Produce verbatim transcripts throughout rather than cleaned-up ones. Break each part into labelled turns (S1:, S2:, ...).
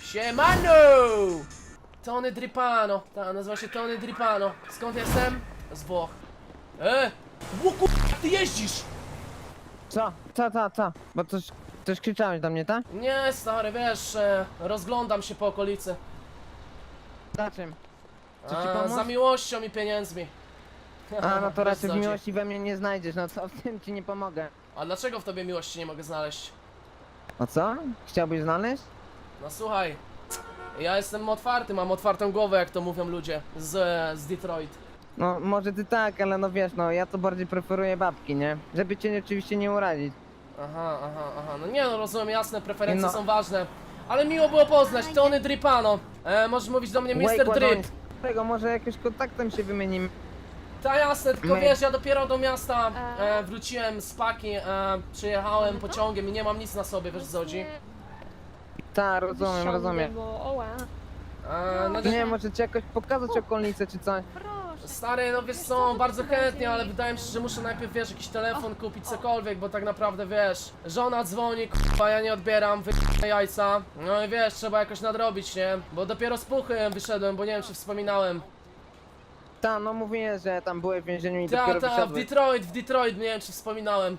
S1: Siemano! Tony Dripano. Ta, nazywa się Tony Dripano. Skąd jestem? Z Włoch. E! Łuku, ty jeździsz!
S2: Co? Co, co, co? Bo coś, coś krzyczałeś do mnie, tak?
S1: Nie, stary, wiesz, e, rozglądam się po okolicy.
S2: Za czym? Czy ci
S1: A,
S2: pomóc?
S1: za miłością i pieniędzmi.
S2: A, no to
S1: Wiesz,
S2: raczej
S1: co
S2: w
S1: ci-
S2: miłości we mnie nie znajdziesz, no co, w tym ci nie pomogę.
S1: A dlaczego w tobie miłości nie mogę znaleźć?
S2: O co? Chciałbyś znaleźć?
S1: No słuchaj, ja jestem otwarty, mam otwartą głowę, jak to mówią ludzie z, z Detroit.
S2: No, może ty tak, ale no wiesz, no ja to bardziej preferuję babki, nie? Żeby cię oczywiście nie urazić.
S1: Aha, aha, aha, no nie no, rozumiem, jasne, preferencje
S2: No.
S1: są ważne. Ale miło było poznać, Tony Dripano. E, możesz mówić do mnie mister
S2: Wake
S1: Drip.
S2: Ładoński. Tego może jakimś kontaktem się wymienimy.
S1: Ta jasne, tylko
S2: My-
S1: wiesz, ja dopiero do miasta e, wróciłem z paki, e, przyjechałem pociągiem i nie mam nic na sobie, wiesz co chodzi?
S2: Tak, rozumiem, rozumiem.
S1: E, no,
S2: Nie, może ci jakoś pokazać okolice czy coś.
S1: stary, no wiesz co, bardzo chętnie, ale wydaje mi się, że muszę najpierw, wiesz, jakiś telefon kupić, cokolwiek, bo tak naprawdę, wiesz, żona dzwoni, k***a, ja nie odbieram, wy***a jajca. No i wiesz, trzeba jakoś nadrobić, nie? Bo dopiero z puchy wyszedłem, bo nie wiem, czy wspominałem.
S2: Ta, no mówię, że tam byłeś w więzieniu i
S1: Ta,
S2: dopiero
S1: ta, w
S2: wyszedłeś.
S1: Detroit, w Detroit, nie wiem, czy wspominałem.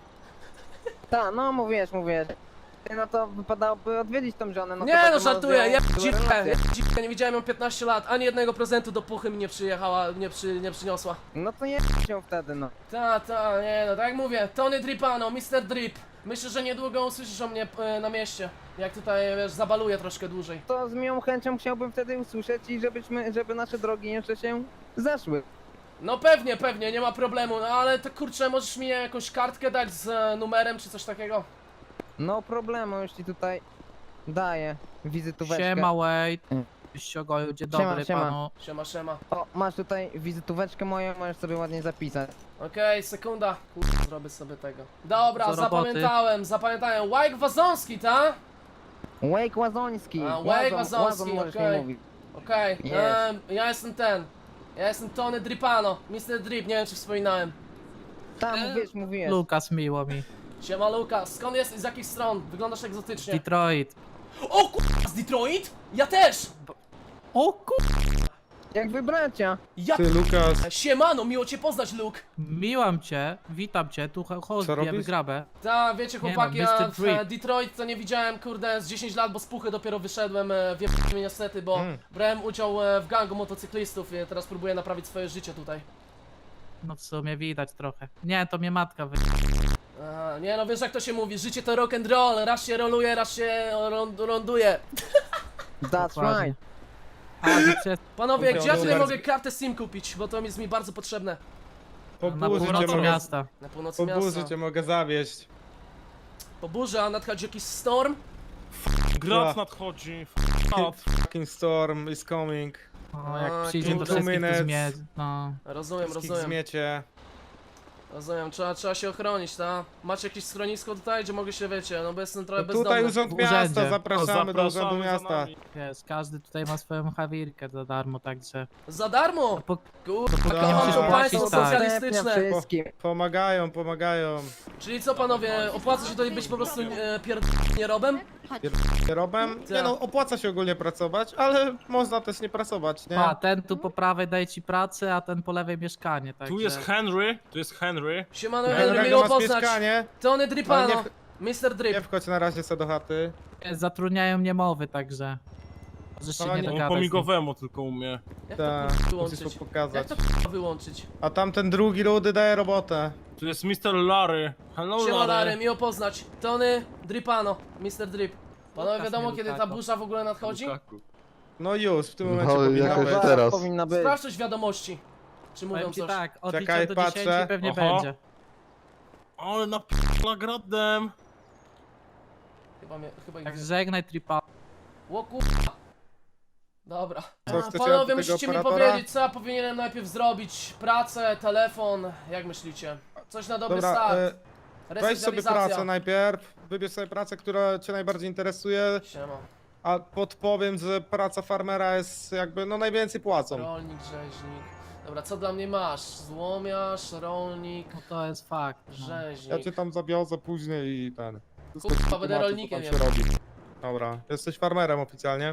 S2: Ta, no mówisz, mówisz. No to wypadałoby odwiedzić tą żonę, no to
S1: Nie
S2: taką
S1: no, żartuję,
S2: rozwiałą
S1: ja
S2: były
S1: dziwkę,
S2: relacje.
S1: ja dziwkę, nie widziałem ją piętnaście lat, ani jednego prezentu do puchy mi nie przyjechała, nie, przy, nie przyniosła.
S2: No to nie się wtedy, no.
S1: Ta, ta, nie no, tak jak mówię, Tony Dripano, mister Drip. Myślę, że niedługo usłyszysz o mnie e, na mieście, jak tutaj, wiesz, zabaluję troszkę dłużej.
S2: To z miłą chęcią chciałbym wtedy usłyszeć i żebyśmy, żeby nasze drogi jeszcze się zeszły.
S1: No pewnie, pewnie, nie ma problemu, no ale to kurczę, możesz mi jakąś kartkę dać z e, numerem czy coś takiego?
S2: No problemu, już ci tutaj daję wizytóweczkę.
S3: Siema, Wade.
S2: Mm.
S3: Ściogoju, dzień
S2: Siema,
S3: dobry
S2: siema.
S3: panu.
S1: Siema, siema.
S2: O, masz tutaj wizytóweczkę moją, możesz sobie ładnie zapisać.
S1: Okej, sekunda. Kurde, zrobię sobie tego. Dobra,
S3: Do roboty.
S1: zapamiętałem, zapamiętałem. Łajk Wazonski, ta?
S2: Wake Łazoński.
S1: A,
S2: Łazon-
S1: Wake
S2: Łazon
S1: Wazowski,
S2: możesz
S1: okej.
S2: mi mówić.
S1: Okej,
S2: Jest.
S1: em, ja jestem ten. Ja jestem Tony Dripano, mister Drip, nie wiem czy wspominałem.
S2: Tam
S3: E,
S2: mówisz, mówisz.
S3: Lukas, miło mi.
S1: Siema Lukas, skąd jesteś, z jakich stron? Wyglądasz egzotycznie.
S3: Detroit.
S1: O kurwa, z Detroit? Ja też!
S3: O ku...
S2: Jak wy bracia.
S1: Ja
S4: Ty, Lukas,
S1: Siemano, miło cię poznać, Luke.
S3: Miłam cię, witam cię, tu
S4: Co
S3: chodź,
S4: robisz?
S3: bierz grabę.
S1: Ta, wiecie
S3: Nie no,
S1: chłopaki, ja
S3: mister
S1: w
S3: Drip.
S1: e, Detroit to nie widziałem, kurde, z dziesięć lat, bo z puchy dopiero wyszedłem, e, wiem niestety, bo
S4: Mm.
S1: brałem udział e, w gangu motocyklistów i teraz próbuję naprawić swoje życie tutaj.
S3: No w sumie widać trochę. Nie, to mnie matka wy...
S1: Aha, nie no, wiesz jak to się mówi, życie to rock and roll, raz się roluje, raz się rond ląduje.
S2: That's
S3: Dokładnie.
S2: right.
S3: A, ty przez...
S1: Panowie,
S4: Dobra,
S1: gdzie ja tutaj
S4: dobra.
S1: mogę kartę SIM kupić, bo to jest mi bardzo potrzebne.
S4: po
S3: na
S4: burzy cię
S3: północy
S4: mogę,
S3: miasta.
S1: Na północy
S4: po
S1: miasta.
S4: burzy cię mogę zawieść.
S1: Po burzy, a nadchodzi jakiś storm?
S5: Grad
S4: Ja.
S5: nadchodzi.
S4: Hot fucking storm is coming.
S3: No,
S1: A,
S3: jak przyjdzie to
S1: kurde.
S3: wszystkich
S4: Minutes.
S3: tu zmieć. No.
S1: Rozumiem,
S4: Wszystkich
S1: rozumiem.
S4: zmiecie.
S1: Rozumiem, trzeba, trzeba się ochronić, ta? Macie jakieś schronisko tutaj, gdzie mogę się, wiecie, no bo jestem trochę
S4: No
S1: bezdomny.
S4: tutaj urząd
S3: W
S4: miasta,
S3: urzędzie.
S4: zapraszamy do urzędu
S5: Zapraszamy za
S4: miasta.
S5: nami.
S3: Wiesz, każdy tutaj ma swoją hawirkę za darmo, także...
S1: Za darmo!
S3: Po...
S1: Kurwa,
S4: nie
S1: nie
S4: musisz
S1: to państwo
S3: płacić, tak.
S1: socjalistyczne.
S2: wszystkim.
S4: Pomagają, pomagają.
S1: Czyli co panowie, opłaca się tutaj być po prostu e, pierdolnierobem?
S4: Robem? Nie no, opłaca się ogólnie pracować, ale można też nie pracować, nie?
S3: A, ten tu po prawej daje ci pracę, a ten po lewej mieszkanie, także...
S5: Tu jest Henry, tu jest Henry.
S1: Siemano,
S4: Henry'ego
S1: Henry, miło
S4: masz
S1: poznać.
S4: mieszkanie,
S1: Tony Dripano,
S4: Ale
S1: mister
S4: nie
S1: Drip.
S4: wchodź na razie se do chaty.
S3: Zatrudniają niemowy, także... Możesz się
S4: No,
S3: nie
S4: nie-
S5: On
S3: dogadać.
S5: po
S3: z nim.
S5: migowemu tylko umie.
S1: Jak to
S4: Tak,
S1: kurwa
S4: musisz
S1: wyłączyć?
S4: to
S1: Jak
S4: pokazać.
S1: to kurwa wyłączyć?
S4: A tamten drugi ludy daje robotę.
S5: Tu jest mister Larry. Hello
S1: Siema Larry,
S5: Larry.
S1: miło poznać. Tony Dripano, mister Drip. Panowie,
S3: Lukas,
S1: wiadomo
S3: nie
S1: kiedy ta
S3: Lukaku.
S1: burza w ogóle nadchodzi?
S5: Lukaku.
S4: No już, w tym momencie
S6: No,
S4: powinna
S6: jakoś
S4: być.
S6: teraz.
S2: Powinna być.
S1: Sprawdź coś wiadomości. Czy mówią
S3: Powiem ci
S1: coś?
S3: tak, od
S4: Czekaj,
S3: liczenia do dziesięciu
S4: patrzę.
S3: pewnie
S5: Oho.
S3: będzie.
S5: Ale na gradem.
S1: Chyba mnie, chyba ich...
S3: Tak żegnaj tripa.
S1: O kurwa. Dobra.
S4: Co,
S1: A,
S4: chcecie
S1: panowie,
S4: od tego
S1: musicie mi
S4: operatora?
S1: powiedzieć, co ja powinienem najpierw zrobić. Pracę, telefon, jak myślicie? Coś na dobry
S4: Dobra,
S1: start.
S4: e, weź sobie
S1: Resocjalizacja.
S4: pracę najpierw, wybierz sobie pracę, która cię najbardziej interesuje,
S1: Siema.
S4: a podpowiem, że praca farmera jest jakby, no najwięcej płacą.
S1: Rolnik, rzeźnik. Dobra, co dla mnie masz? Złomiarz, rolnik,
S3: No to jest fakt. No.
S1: rzeźnik.
S4: Ja cię tam zabiorę później i ten.
S1: Kurwa, będę
S4: Tłumaczę, co
S1: rolnikiem
S4: tam się
S1: jednak.
S4: robi. Dobra, jesteś farmerem oficjalnie.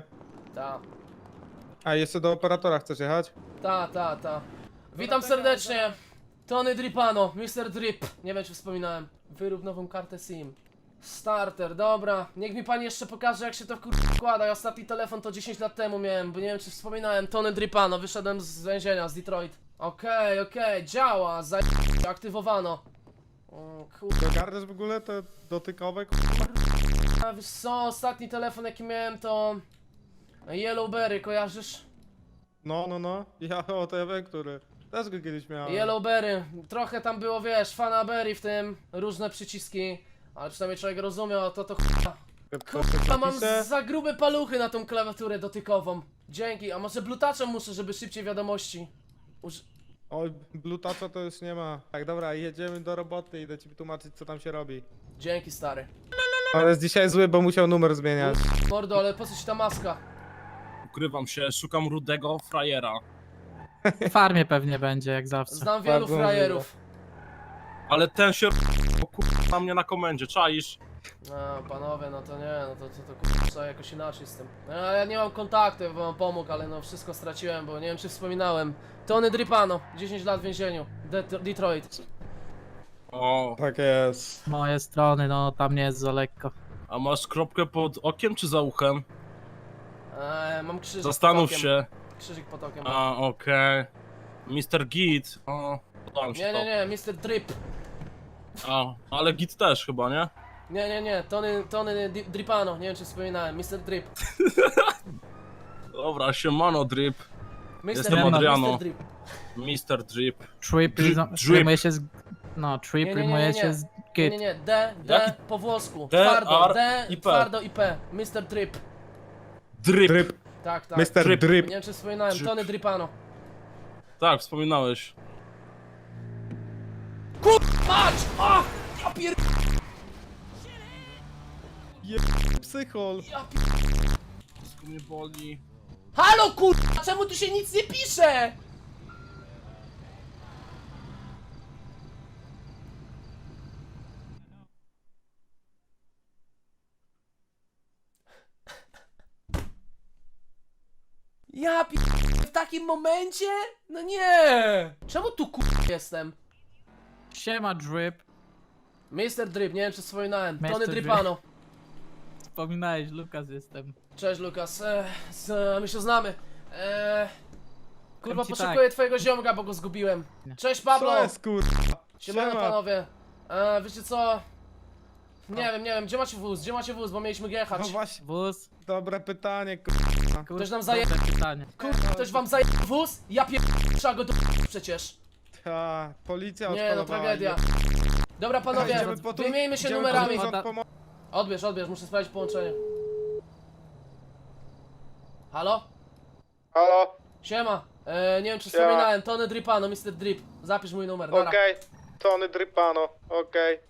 S1: Ta,
S4: A jeszcze do operatora chcesz jechać?
S1: ta, ta, ta. Witam serdecznie. Tony Dripano, mister Drip. Nie wiem czy wspominałem. Wyrób nową kartę SIM. Starter, dobra. Niech mi pani jeszcze pokaże jak się to wkur- wkłada. Ja ostatni telefon to dziesięć lat temu miałem, bo nie wiem czy wspominałem. Tony Dripano, wyszedłem z więzienia, z Detroit. Okej, okej, działa, za... aktywowano. O kurde,
S4: Garniesz w ogóle te dotykowe?
S1: a wiesz co, ostatni telefon jaki miałem to... Yellowberry, kojarzysz?
S4: No, no, no. Ja o T V, który też go kiedyś miałem.
S1: Yellowberry, trochę tam było, wiesz, fanaberry w tym, różne przyciski, ale przynajmniej człowiek rozumiał, to to ch**a. Kurwa, mam
S4: Napiszę.
S1: za grube paluchy na tą klawiaturę dotykową. Dzięki, a może blutaczem muszę, żeby szybciej wiadomości. Uż...
S4: Oj, blutacza to już nie ma. Tak, dobra, jedziemy do roboty, idę ci tłumaczyć co tam się robi.
S1: Dzięki, stary.
S4: On jest dzisiaj zły, bo musiał numer zmieniać.
S1: Mordo, ale po co ci ta maska?
S5: Ukrywam się, szukam rudego frajera.
S3: W farmie pewnie będzie, jak zawsze.
S1: Znam wielu
S4: Bardzo
S1: frajerów.
S5: Ale ten się o kurwa na mnie na komendzie, czaisz?
S1: A, panowie, no to nie, no to, to, to kurwa, trzeba jakoś inaczej z tym. No, ja nie mam kontaktu, ja bym wam pomógł, ale no wszystko straciłem, bo nie wiem czy wspominałem. Tony Dripano, dziesięć lat w więzieniu, De Detroit.
S5: O,
S4: Tak jest.
S3: Z mojej strony, no tam nie jest za lekko.
S5: a masz kropkę pod okiem czy za uchem?
S1: Eee, mam krzyżyk
S5: Zastanów
S1: pod okiem.
S5: się.
S1: Krzyżyk pod okiem.
S5: A, okej. mister Git. O, podoba mi się
S1: Nie,
S5: to.
S1: nie, nie, mister Drip.
S5: A, ale Git też chyba, nie?
S1: Nie, nie, nie, Tony, Tony Di Dripano, nie wiem czy wspominałem, mister Drip.
S5: Dobra, siemano Drip.
S1: mister
S5: Jestem
S1: Drip,
S5: Adriano.
S1: mister Drip.
S5: mister Drip.
S3: Trip,
S5: Drip,
S3: rim-
S5: drip.
S3: rymuje się z... No, trip
S1: Nie, nie, nie,
S3: rymuje
S1: nie,
S3: się
S1: nie.
S3: z
S1: Nie,
S3: git.
S1: nie, nie, D, D
S5: Jaki?
S1: po włosku,
S5: D,
S1: twardo,
S5: R
S1: D,
S5: i P.
S1: twardo i P, mister Drip.
S5: Drip.
S4: Drip.
S1: Tak, tak.
S4: mister
S5: Drip.
S4: Drip.
S1: Nie wiem czy wspominałem,
S5: Drip.
S1: Tony Dripano.
S5: Tak, wspominałeś.
S1: Mać! O! Ja pier...
S4: Psychol.
S1: Ja pier...
S5: Wszystko mnie boli.
S1: Halo kurwa, czemu tu się nic nie pisze? Ja pier... w takim momencie? No nie! Czemu tu kurwa jestem?
S3: Siema Drip.
S1: mister Drip, nie wiem czy wspominałem,
S3: mister
S1: Tony
S3: Drip.
S1: Dripano.
S3: Wspominałeś, Lukas jestem.
S1: Cześć Lukas, eee, z, my się znamy. Eee, kurwa,
S3: Powiem ci
S1: poszukuję twojego ziomka, bo go zgubiłem. Cześć Pablo!
S4: Co jest kurwa?
S1: Siemano
S4: Siema.
S1: panowie. Eee, wiecie co? Nie wiem, nie wiem, gdzie macie wóz? Gdzie macie wóz, bo mieliśmy jechać.
S4: No właśnie,
S3: Wóz?
S4: dobre pytanie, kurwa.
S3: Kur...
S1: Ktoś nam zaje-
S3: dobre pytanie.
S1: Kurwa, ktoś wam zaje wóz? Ja pier... trzeba go do... przecież.
S4: Ta, policja
S1: Nie no,
S4: odpalowała.
S1: tragedia. Dobra panowie,
S4: Idziemy po tu-
S1: wymieńmy się
S4: idziemy po
S1: numerami.
S4: urząd pomo-
S1: Odbierz, odbierz, muszę sprawdzić połączenie. Halo?
S4: Halo?
S1: Siema. Eee, nie wiem czy
S4: Siema.
S1: wspominałem, Tony Dripano, mister Drip. Zapisz mój numer, dobra.
S4: Okej. Tony Dripano, okej.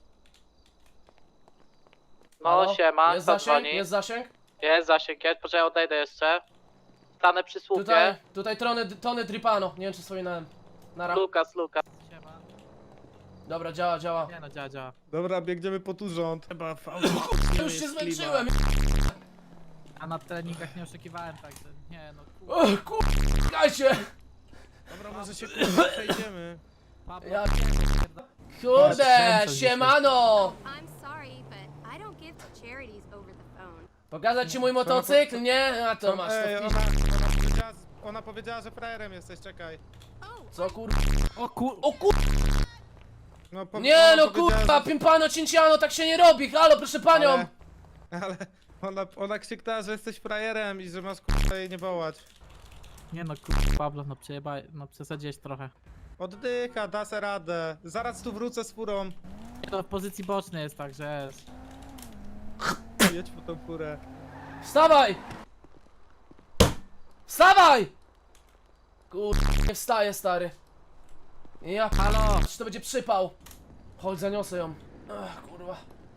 S6: No
S1: Halo?
S6: siema,
S1: Jest
S6: kto
S1: zasięg?
S6: dzwoni?
S1: Jest zasięg?
S6: Jest zasięg, jest, poczekaj, odejdę jeszcze. Stanę przy słupie.
S1: Tutaj, tutaj Tony, Tony Dripano, nie wiem czy wspominałem. Nara.
S6: Lukas, Lukas.
S3: Siema.
S1: Dobra, działa, działa.
S3: Nie no, działa, działa.
S4: Dobra, biegniemy pod urząd. Chyba w
S1: Już się zmęczyłem.
S3: A na treningach nie oszukiwałem, także nie no. Kur...
S1: O kur... Czekajcie.
S4: Dobra, może się kurwa przejdziemy.
S3: Pablo,
S1: Ja-
S3: pierda-
S1: Kurde,
S3: Kręcę
S1: siemano.
S7: I'm sorry, but I don't give to charities over the phone.
S1: Pokazać ci mój motocykl? Nie? A to masz,
S4: Ej,
S1: to
S4: ona,
S1: wpisz.
S4: ona, powiedziała, ona powiedziała, że frajerem jesteś, czekaj.
S1: Co kur...
S3: O kur...
S1: O kur...
S4: No, po,
S1: Nie
S4: ona
S1: no
S4: powiedziała,
S1: kurwa,
S4: że-
S1: pimpano, cinciano, tak się nie robi. Halo, proszę panią.
S4: Ale, ale ona, ona krzyknęła, że jesteś frajerem i że masz kurwa jej nie wołać.
S3: Nie no, kur... Pablo, no przejebaj, no przesadziłeś trochę.
S4: Oddycha, da se radę. Zaraz tu wrócę z furą.
S3: Nie no, w pozycji bocznej jest, także jest.
S4: Jedź po tą furę.
S1: Wstawaj! Wstawaj! Kurde, nie wstaje, stary. Ja halo, czy to będzie przypał? Chodź, zaniosę ją. Ach, kurwa.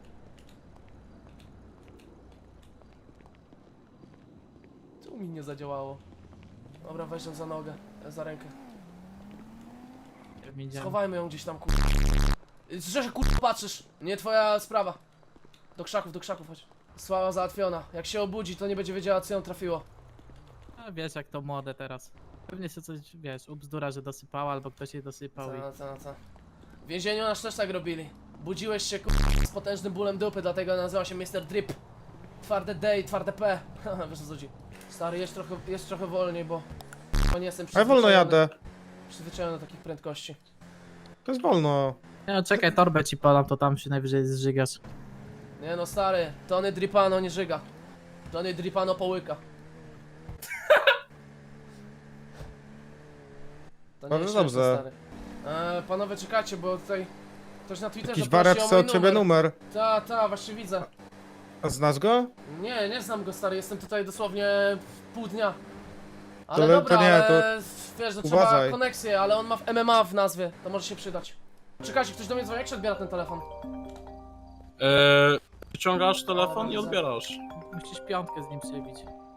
S1: Tu mi nie zadziałało. Dobra, weź ją za nogę, za rękę.
S3: Nie wiem, idziemy.
S1: Schowajmy ją gdzieś tam, kurwa. Że się kurwa patrzysz, nie twoja sprawa. Do krzaków, do krzaków chodź. Sława załatwiona. Jak się obudzi, to nie będzie wiedziała, co ją trafiło.
S3: A wiesz jak to młode teraz. Pewnie się coś, wiesz, ubzdura, że dosypała, albo ktoś jej dosypał i...
S1: Co, co, co. W więzieniu nas też tak robili. Budziłeś się kur... z potężnym bólem dupy, dlatego nazywa się mister Drip. Twarde D i twarde P. Haha, wiesz o co chodzi. Stary, jedź trochę, jedź trochę wolniej, bo... bo nie jestem
S4: A ja wolno
S1: przyzwyczajony-
S4: jadę.
S1: Przyzwyczajony do takich prędkości.
S4: To jest wolno.
S3: Nie no, czekaj, torbę ci podam, to tam się najwyżej zżygasz.
S1: Nie no stary, Tony Dripano nie żyga. Tony Dripano połyka. To
S4: Bardzo
S1: jest śmieszne,
S4: dobrze.
S1: stary. E, panowie czekacie, bo tutaj ktoś na Twitterze
S4: Jakiś
S1: prosi
S4: wariat
S1: o
S4: chce
S1: mój
S4: od ciebie numer.
S1: Ta, ta, właśnie widzę.
S4: A znasz go?
S1: Nie, nie znam go stary, jestem tutaj dosłownie w pół dnia. Ale
S4: To le-
S1: dobra,
S4: to nie,
S1: ale wiesz, że trzeba
S4: uważaj.
S1: koneksję, ale on ma w M M A w nazwie, to może się przydać. Czekajcie, ktoś do mnie dzwoni, jak się odbiera ten telefon?
S5: Eee, wyciągasz telefon i odbierasz.
S3: Musisz piątkę z nim przebić.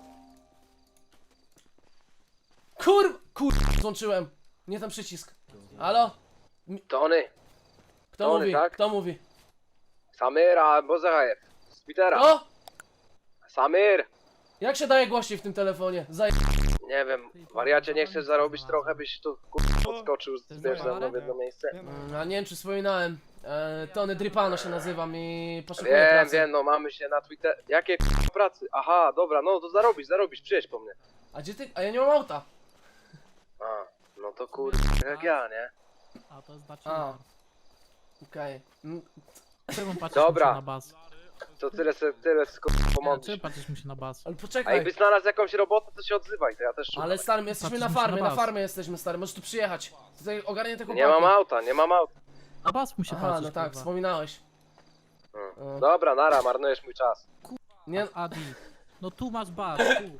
S1: Kur... kur... złączyłem. Nie ten przycisk. Halo?
S8: Tony,
S1: Kto
S8: Tony,
S1: mówi?
S8: tak?
S1: Kto mówi?
S8: Samir albo Zahajew. Z Twittera.
S1: O!
S8: Samir!
S1: Jak się daje głośniej w tym telefonie? Zaj...
S8: Nie wiem, wariacie, nie chcesz zarobić trochę, byś tu kur- podskoczył, zbierz ze mną w jedno miejsce?
S1: Mm, a nie wiem czy wspominałem. E, Tony Dripano się nazywam i poszukuję
S8: Wiem,
S1: pracy.
S8: wiem, no mamy się na Twitter. Jakie kur- pracy? Aha, dobra, no to zarobisz, zarobisz, przyjedź po mnie.
S1: A gdzie ty? A ja nie mam auta.
S8: A, no to kur... jak ja, nie?
S3: A to znaczy...
S1: A. Okej. Mm,
S3: Czemu patrzysz
S8: Dobra.
S3: mu się na bas?
S8: To tyle, se- tyle sko-
S3: Nie, czemu
S8: pomączysz.
S3: patrzysz mu się na bas?
S1: Ale
S8: A
S1: poczekaj.
S8: jakbyś znalazł jakąś robotę, to się odzywaj, to ja też szukam.
S1: Ale stary, my jesteśmy na
S3: Patrzymy się
S1: farmie,
S3: na
S1: na
S3: bas.
S1: farmie jesteśmy stary, możesz tu przyjechać. Tutaj ogarnię te chłopaki.
S8: Nie mam auta, nie mam auta.
S3: Na bas mu się
S1: Aha,
S3: patrzysz,
S1: no tak,
S3: kurwa.
S1: wspominałeś.
S8: Hmm. Dobra, nara, marnujesz mój czas.
S1: Nie...
S3: Adi, no tu masz bas, tu.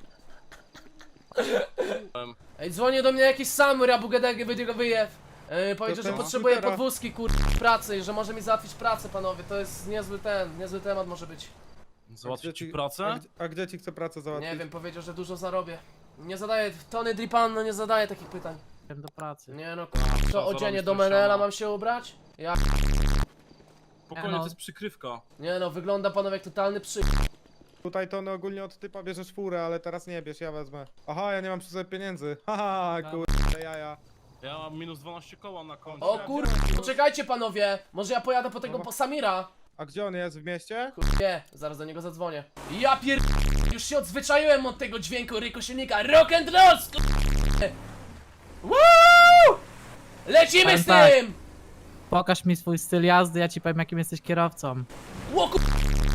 S1: Ej, dzwoni do mnie jakiś Samur, Abu Gedege będzie go wyjew. Yy, powiedział, że
S4: ten
S1: potrzebuje
S4: Twittera.
S1: podwózki, kur... pracy, że może mi załatwić pracę, panowie. To jest niezły ten, niezły temat może być.
S5: Załatwić ci
S4: A
S5: pracę?
S4: gdzie, a gdzie ci chce pracę załatwić?
S1: Nie wiem, powiedział, że dużo zarobię. Nie zadaje, Tony Dripano nie zadaje takich pytań.
S3: Idę do pracy.
S1: Nie no, kur...
S5: trzeba
S1: co, odzienie
S5: zarobić
S1: do
S5: to
S1: Menela
S5: siano.
S1: mam się ubrać? Ja...
S5: Spokojnie,
S3: no.
S5: to jest przykrywka.
S1: Nie no, wygląda panowie jak totalny przy...
S4: Tutaj to ogólnie od typa bierzesz furę, ale teraz nie bierz, ja wezmę. Aha, ja nie mam przy sobie pieniędzy. Haha, kurde, jaja.
S5: Ja mam minus dwanaście koła na koncie.
S1: O kur... Poczekajcie panowie, może ja pojadę po tego po Samira?
S4: A gdzie on jest? W mieście?
S1: Nie, zaraz do niego zadzwonię. Ja pier... Już się odzwyczaiłem od tego dźwięku rykosilnika. Rock and roll! sku- Woo! Lecimy z
S3: Powiem tak.
S1: tym!
S3: Pokaż mi swój styl jazdy, ja ci powiem jakim jesteś kierowcą.
S1: Ło, ku...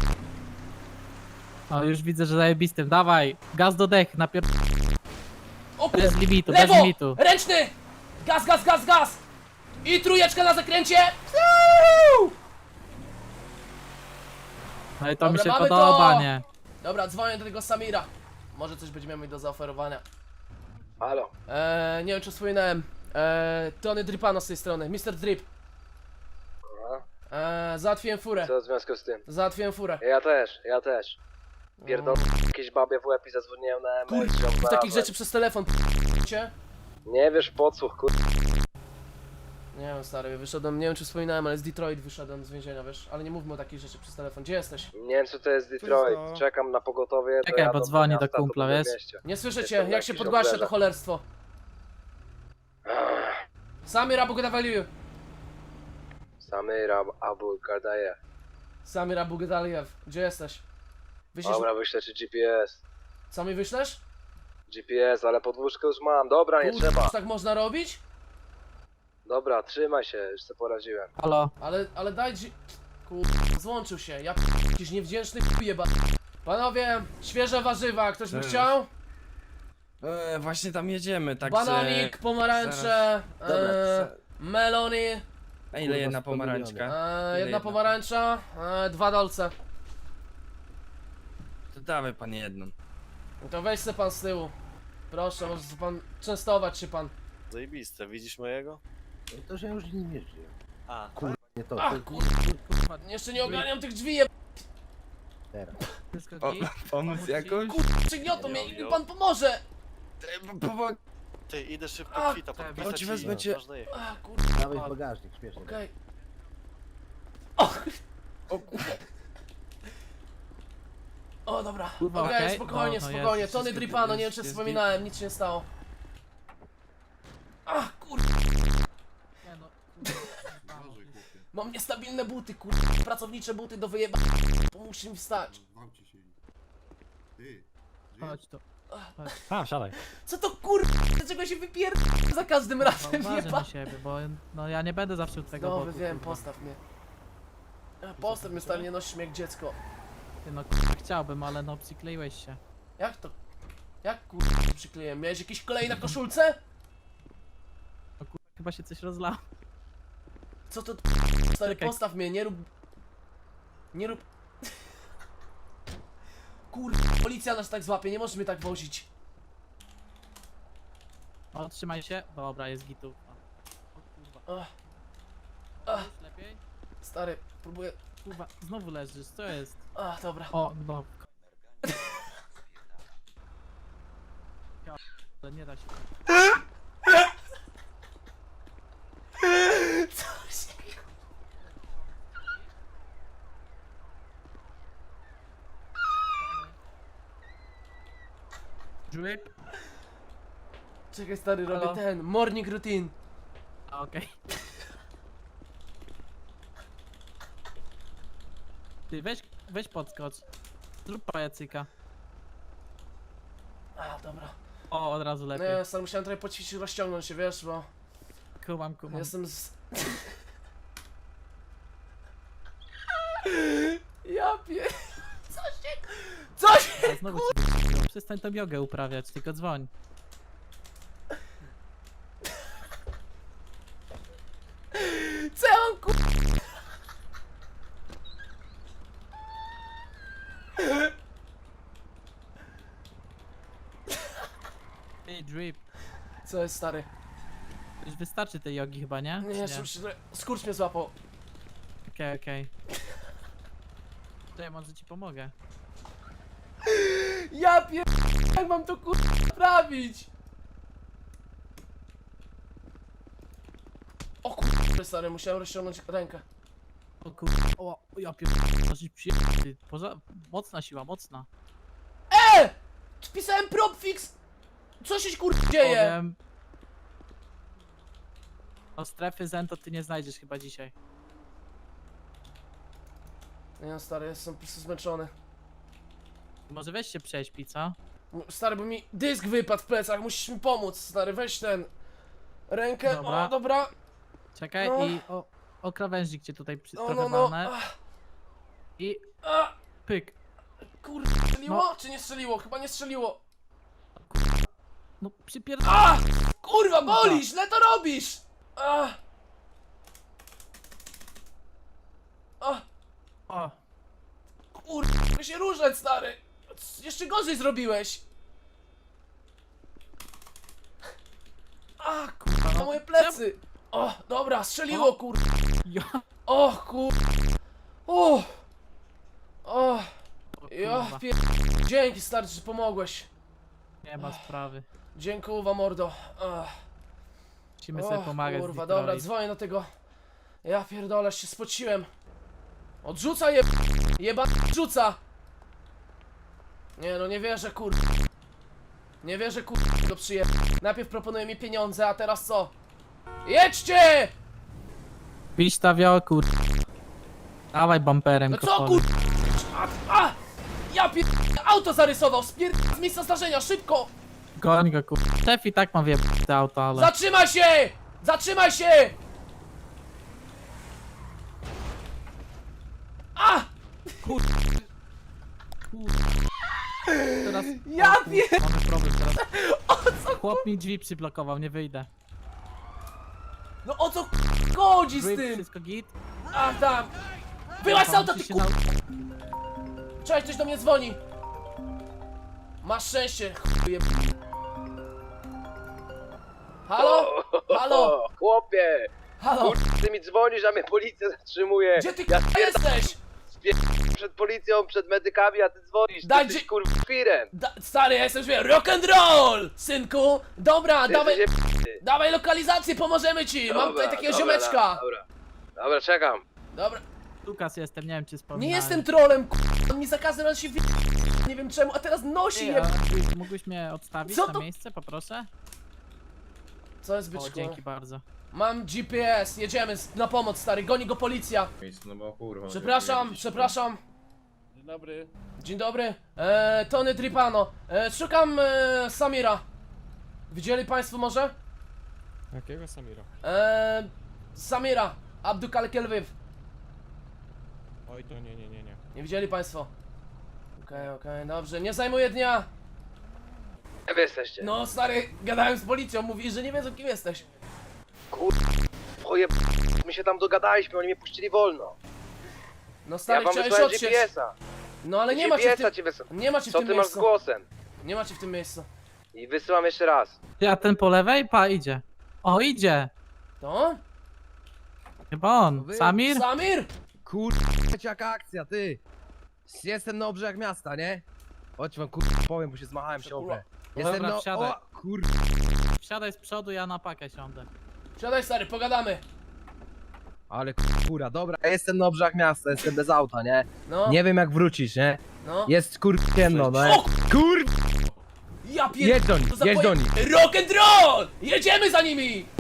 S3: O, już widzę, że zajebistym. Dawaj, gaz do dech, napier...
S1: O, ku...
S3: Bez limitu, bez
S1: Lewo!
S3: limitu.
S1: Ręczny! Gaz, gaz, gaz, gaz! I trójeczka na zakręcie! Woo!
S3: No i to mi
S1: Dobra,
S3: się
S1: mamy
S3: podoba,
S1: to.
S3: nie?
S1: Dobra, dzwonię do tego Samira. Może coś będziemy mieli do zaoferowania.
S8: Halo.
S1: Eee, nie wiem czy wspominałem. Eee, Tony Dripano z tej strony, mister Drip.
S8: Aha.
S1: Eee, załatwiłem furę.
S8: Co w związku z tym?
S1: Załatwiłem furę.
S8: Ja też, ja też. Pierdol jakieś babie w łeb i zadzwoniłem na M L.
S1: Kur... Takich rzeczy przez telefon cię?
S8: Nie wiesz podsłuch, kur...
S1: Nie wiem stary, wyszedłem, nie wiem czy wspominałem, ale z Detroit wyszedłem z więzienia, wiesz? Ale nie mówmy o takich rzeczy przez telefon. Gdzie jesteś?
S8: Nie wiem co to jest
S4: Co jest
S8: Detroit.
S4: to?
S8: Czekam na pogotowie. to
S3: Czekaj,
S8: jadę
S3: bo dzwoni do
S8: miasta, to
S3: kumpla,
S8: będę w
S3: wiesz?
S8: mieście.
S1: Nie słyszę cię,
S8: Jestem
S1: jak się
S8: jakiś
S1: podgłaszcza to
S8: oblerza.
S1: cholerstwo.
S8: Ach,
S1: Samir Abu Gedavaliu.
S8: Samir Ab- Abu Gardajew.
S1: Samir Abu Gedaliew, gdzie jesteś? Wyślesz...
S8: Dobra, wyślę ci G P S.
S1: Co mi wyślesz?
S8: G P S, ale podwózkę już mam. Dobra, nie
S1: Kurwa,
S8: trzeba.
S1: tak można robić?
S8: Dobra, trzymaj się, już sobie poradziłem.
S3: Halo,
S1: Ale, ale daj dzi... Kurwa, złączył się, ja p... jakiś niewdzięczny jeba. Panowie, świeże warzywa, ktoś by
S9: Cześć.
S1: chciał?
S9: E, właśnie tam jedziemy, także...
S1: Bananik, pomarańcze,
S9: Dobra,
S1: e,
S9: za-
S1: melony,
S9: A ile jedna pomarańczka?
S1: e,
S9: Ile
S1: jedna
S9: jedna?
S1: pomarańcza, e, dwa dolce.
S9: To dawaj pan jedną.
S1: No to weź se pan z tyłu. Proszę, może se pan częstować się pan.
S10: Zajebiste, widzisz mojego?
S11: To, że ja już nim jeżdżę.
S10: A,
S11: Kurwa, nie to,
S1: Ach,
S11: to
S1: kurwa, jeszcze nie ogarniam tych drzwi, je...
S11: teraz.
S3: wszystko
S9: O,
S3: git?
S9: pomóc jakoś?
S1: Kurwa, przygniotą mnie, mi pan pomoże!
S9: E, pomog...
S10: ty idę szybko
S1: A,
S10: kwita
S3: tak,
S10: podpisać
S9: chodź,
S10: i
S9: wezmę cię.
S10: można jechać.
S1: A, kurwa,
S11: Dawaj w bagażnik, śmiesznie.
S1: okej.
S9: O kur...
S1: O, dobra.
S3: Kurwa,
S1: Okej,
S3: okej.
S1: spokojnie,
S3: No, no
S1: spokojnie.
S3: jest,
S1: Tony
S3: wszystko
S1: Dripano, nie wiem
S3: jest,
S1: czy
S3: jest
S1: wspominałem, nic się nie stało. Ach, kurwa.
S3: Nie no, kurwa.
S1: Mam niestabilne buty, kurwa. Pracownicze buty do wyjeba. Pomóżcie mi wstać.
S3: Chodź tu.
S5: A, siadaj.
S1: Co to kurwa? Dlaczego się wypierd... za każdym razem
S3: Uważaj
S1: jeba?
S3: na siebie, bo no ja nie będę zawsze u twojego
S1: Dobry,
S3: boku.
S1: wiem,
S3: kurwa.
S1: postaw mnie. A, Postaw mnie, stary, nie nosisz mnie jak dziecko.
S3: Ty, no kurwa, chciałbym, ale no przykleiłeś się.
S1: Jak to? Jak kurwa się przykleiłem? Miałeś jakiś klej na koszulce?
S3: No kurwa, chyba się coś rozlało.
S1: Co to? Stary,
S3: Czekaj.
S1: postaw mnie, nie rób... Nie rób... Kurwa, policja nas tak złapie, nie możesz mnie tak wozić.
S3: O, trzymaj się. Dobra, jest gitu. O kurwa.
S1: Ach. Ach,
S3: Już lepiej?
S1: stary, próbuję...
S3: Kurwa, znowu leżysz, co jest?
S1: Ach, dobra.
S3: O, no. Ja, ale nie da się.
S1: Co się...
S3: Drip?
S1: Czekaj, stary, robię
S3: Halo?
S1: ten, morning routine.
S3: A, okej. Ty, weź, weź podskocz. Zrób pajacyka.
S1: A, dobra.
S3: O, od razu lepiej.
S1: Nie, stary, musiałem trochę poćwiczyć, rozciągnąć się, wiesz, bo...
S3: Kumam, kumam.
S1: Jestem z... Ja pier... Co się... Co się...
S3: A znowu ci wyciągnął. Przestań tą jogę uprawiać, tylko dzwoń.
S1: Co ja mam ku...
S3: Ej, Drip.
S1: Co jest, stary?
S3: Już wystarczy tej jogi chyba, nie?
S1: Nie,
S3: Czy
S1: jeszcze muszę... Skurcz mnie złapał.
S3: Okej, okej. To ja może ci pomogę.
S1: Ja pier... Jak mam to kur... naprawić? O kur... stary, musiałem rozciągnąć rękę.
S3: O kur... O, ja pier... Możesz przyjechać, ty. Poza... Mocna siła, mocna.
S1: E! Wpisałem propfix! Co się kur... dzieje?
S3: Powiem... O strefy zen to ty nie znajdziesz chyba dzisiaj.
S1: Nie, stary, jestem po prostu zmęczony.
S3: Może weź się prześpi, co?
S1: Stary, bo mi dysk wypadł w plecach, musisz mi pomóc, stary, weź ten... Rękę,
S3: Dobra.
S1: o, dobra.
S3: Czekaj
S1: No.
S3: i o, o krawężnik cię tutaj przy,
S1: No,
S3: trochę
S1: no, no.
S3: walnę.
S1: Ach,
S3: I
S1: ach,
S3: pyk.
S1: kurde, strzeliło?
S3: No.
S1: Czy nie strzeliło? Chyba nie strzeliło.
S3: No przypierd...
S1: A! Kurwa, boli, źle to robisz! A! A!
S3: O,
S1: Kurwa, mogę się ruszać, stary! C- Jeszcze gorzej zrobiłeś! A, kurwa, na moje plecy! O, dobra, strzeliło,
S3: O.
S1: kurwa!
S3: ja...
S1: O, kurwa! O! O!
S3: O,
S1: Ja
S3: kurwa.
S1: pier... Dzięki, stary, że pomogłeś.
S3: Nie ma sprawy.
S1: Dziękuję, mordo. Ach.
S3: Musimy sobie
S1: Och,
S3: pomagać.
S1: kurwa,
S3: z
S1: dobra,
S3: Detroit.
S1: dzwonię do tego. Ja pierdolę, się spociłem. Odrzuca jeb... Jeba... Odrzuca! Nie no, nie wierzę, kur... Nie wierzę, kur... go przyjem. Najpierw proponuje mi pieniądze, a teraz co? Jedźcie!
S3: Piś ta wioku. Dawaj bumperem,
S1: No co,
S3: kopole.
S1: kur... A! a! Ja pier... Auto zarysował, spier... z miejsca zdarzenia, szybko!
S3: Goń go, kur... Szef i tak ma wie te auto, ale...
S1: Zatrzymaj się! Zatrzymaj się! A!
S3: Kur... Teraz...
S1: Ja
S3: o, kur-
S1: pier...
S3: Mamy problem teraz.
S1: O co?
S3: Chłop mi drzwi przyblokował, nie wyjdę.
S1: No o co chodzi z
S3: Drip,
S1: tym?
S3: wszystko git?
S1: A tam! Byłaś z auta, ty
S3: się
S1: ku...
S3: na...
S1: Cześć, ktoś do mnie dzwoni! Masz szczęście, chuje... Halo? Halo?
S8: O, chłopie!
S1: Halo?
S8: Kurde, ty mi dzwonisz, a mnie policja zatrzymuje.
S1: Gdzie ty
S8: Ja
S1: k***a jesteś?
S8: spierdam przed policją, przed medykami, a ty dzwonisz.
S1: Daj,
S8: Ty jesteś
S1: gdzie-
S8: kurwa firem.
S1: Da, stary, ja jestem wie, rock and roll! Synku! Dobra,
S8: Ty
S1: dawaj,
S8: jesteś jeb-
S1: dawaj lokalizację, pomożemy ci! Mam
S8: Dobra,
S1: tutaj takiego
S8: dobra,
S1: ziomeczka!
S8: Dobra, dobra, czekam.
S1: Dobra.
S3: Lukas jestem, nie wiem czy
S1: Nie
S3: wspominałem.
S1: jestem trolem, k***a, on mi za każdym razem się wy... nie wiem czemu, a teraz nosi
S3: Ej,
S1: je.
S3: a mógłbyś mnie odstawić
S1: Co
S3: na
S1: to-
S3: miejsce, poproszę?
S1: Co jest
S3: O,
S1: byczku?
S3: dzięki bardzo.
S1: Mam G P S, jedziemy z- na pomoc stary, goni go policja.
S9: No bo kurwa.
S1: Przepraszam, przepraszam.
S10: Dzień dobry.
S1: Dzień dobry, eee, Tony Tripano. Eee, szukam eee, Samira. Widzieli państwo może?
S4: Jakiego Samira?
S1: Eee, Samira, Abdukal Kelviv.
S4: Oj, to nie, nie, nie, nie.
S1: Nie widzieli państwo? Okej, okej, dobrze, nie zajmuję dnia.
S8: Gdzie wy jesteście?
S1: No stary, gadałem z policją, mówi, że nie wiedzą kim jesteś.
S8: Oje, my się tam dogadaliśmy, oni mnie puścili wolno.
S1: No
S8: Ja
S1: stary,
S8: wam
S1: chciałeś
S8: wysłałem
S1: odsieć.
S8: G P S-a.
S1: No ale nie ma cię w
S8: G P S-a
S1: tym...
S8: ci wysyłam.
S1: Nie ma cię w
S8: Co
S1: tym
S8: ty masz z
S1: miejscu.
S8: głosem?
S1: Nie ma cię w tym miejscu.
S8: I wysyłam jeszcze raz.
S3: Ty, a ten po lewej? Pa, idzie. O, idzie.
S1: To?
S3: Chyba on. Samir?
S1: Samir?
S11: Kurwa, jaka akcja, ty! Jestem na obrzeżach miasta, nie? Chodź wam kurwa powiem, bo się zmachałem się
S1: Kurwa.
S11: obrę. Jestem
S3: Dobra,
S11: na...
S3: wsiadaj.
S11: O, kurwa.
S3: Wsiadaj z przodu, ja na pakę siądę.
S1: Siadaj stary, pogadamy.
S11: Ale kurwa, dobra. Ja jestem na obrzeżach miasta, jestem bez auta, nie?
S1: No,
S11: Nie wiem jak wrócisz, nie?
S1: no.
S11: Jest kurwa ciemno, no.
S1: O,
S11: Kurwa!
S1: Ja pier...
S11: Jedź do
S1: to
S11: nich,
S1: za
S11: jedź
S1: poje-
S11: do nich.
S1: Rock and roll! Jedziemy za nimi!